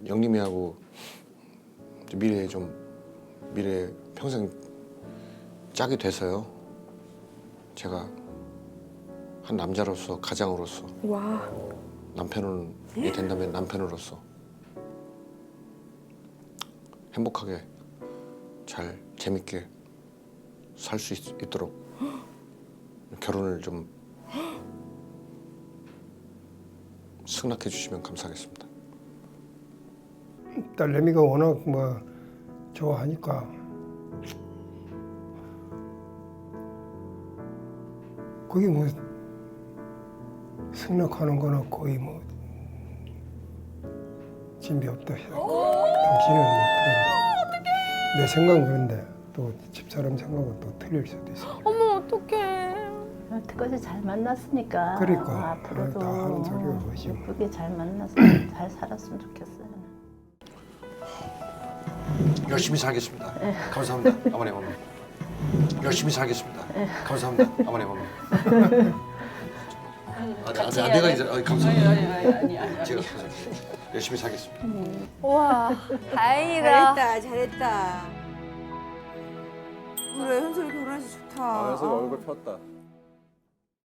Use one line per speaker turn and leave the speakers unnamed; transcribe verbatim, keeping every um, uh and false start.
영림이하고 미래에 좀 미래 평생 짝이 돼서요. 제가 한 남자로서 가장으로서
와.
남편이 된다면 남편으로서 행복하게 잘 재밌게 살 수 있도록 결혼을 좀 승낙해 주시면 감사하겠습니다.
딸내미가 워낙 뭐 좋아하니까 거기 뭐 승낙하는 거는 거의 뭐 진비 없다 해요. 당신은 어떻게 내 생각은 그런데 또 집사람 생각은 또 틀릴 수도 있어요.
어머 어떡해.
여태까지 잘 만났으니까
그러니까.
앞으로도
다 하는 소리가 뭐지.
예쁘게 잘 만나서 잘 살았으면 좋겠어요.
열심히 살겠습니다. 감사합니다. 어머니 어머니. 열심히 살겠습니다. 감사합니다. 어머니 어머니. 아, 아, 아, 내가 이제 아, 감사합니다.
아니 아니 아니 아니.
제가 열심히 살겠습니다.
와 다행이다.
잘했다, 잘했다. 그래, 현솔이 결혼해서 좋다.
아, 현석이 얼굴 폈다.